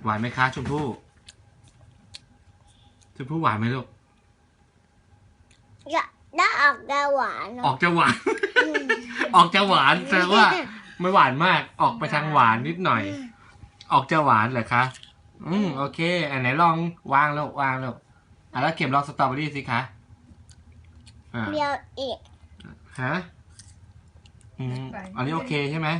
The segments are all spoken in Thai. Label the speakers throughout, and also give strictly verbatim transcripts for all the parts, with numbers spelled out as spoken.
Speaker 1: หวานไหมคะชมพู่ชมพู่หวานไหมลูก
Speaker 2: จะได้ออกจะหวานเน
Speaker 1: ออ
Speaker 2: อะ
Speaker 1: กจะหวาน ออกจะหวานแสดงว่าไม่หวานมากออกไปทางหวานนิดหน่อย ออกจะหวานเหรอคะอืมโอเคอันไหนลองวางแล้ววางแล้วอ่ะแล้วเก็บลองสตรอเบอรี่สิคะอ่า
Speaker 2: เดียวอีก
Speaker 1: ฮะอืมอันนี้โอเคใช่ไหม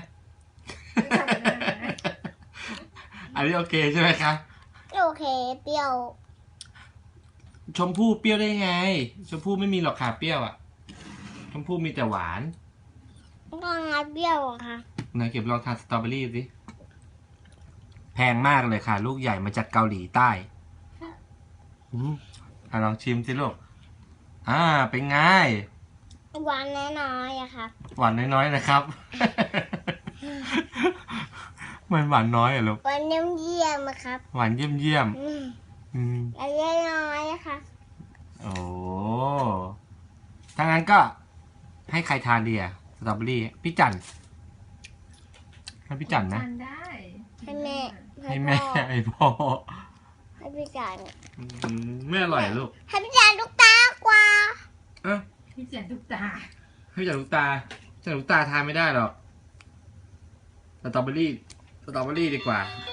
Speaker 1: อันนี้โอเคใช่ไหมคะ
Speaker 2: โอเคเปรี้ยว
Speaker 1: ชมพู่เปรี้ยวได้ไง ชมพู่ไม่มีหรอกค่ะเปรี้ยวอ่ะ ชมพู่มีแต่หวาน
Speaker 2: ก็งัดเปรี้ยวอะค่ะ
Speaker 1: ไหนเก็บลองทานสตรอเบอรี่สิแพงมากเลยค่ะ ลูกใหญ่มาจากเกาหลีใต้อืมอ่ะลองชิมสิลูกอ่าเป็นไง
Speaker 2: หวานน้อยๆอะค่ะ
Speaker 1: หวานน้อยๆนะครับ มันหวานน้อยเหรอลูก
Speaker 2: หวานเยี่ยมๆอะครับ
Speaker 1: หวานเยี่ยมเยี่ยม
Speaker 2: อืม
Speaker 1: อืม
Speaker 2: หวานน้อยๆอะค่ะ
Speaker 1: โอ้ถ้างั้นก็ให้ใครทานดีอะสตรอเบอรี่พี่จันให้พี่จันนะ
Speaker 3: ทานได้
Speaker 2: ให้แม่
Speaker 1: ให้แม่
Speaker 2: พ่อ
Speaker 1: ให้พ่อ
Speaker 2: ให้พี่จาน
Speaker 1: อืมไม่อร่อยเหรอลูก
Speaker 2: ให้พี่จานลูกตากว่า
Speaker 1: เอ้า
Speaker 3: พี่เสียนทุกตา
Speaker 1: ให้พี่จันลูกตาจันลูกตาทานไม่ได้หรอกสตรอเบอรี่สตรอเบอรี่ดีกว่า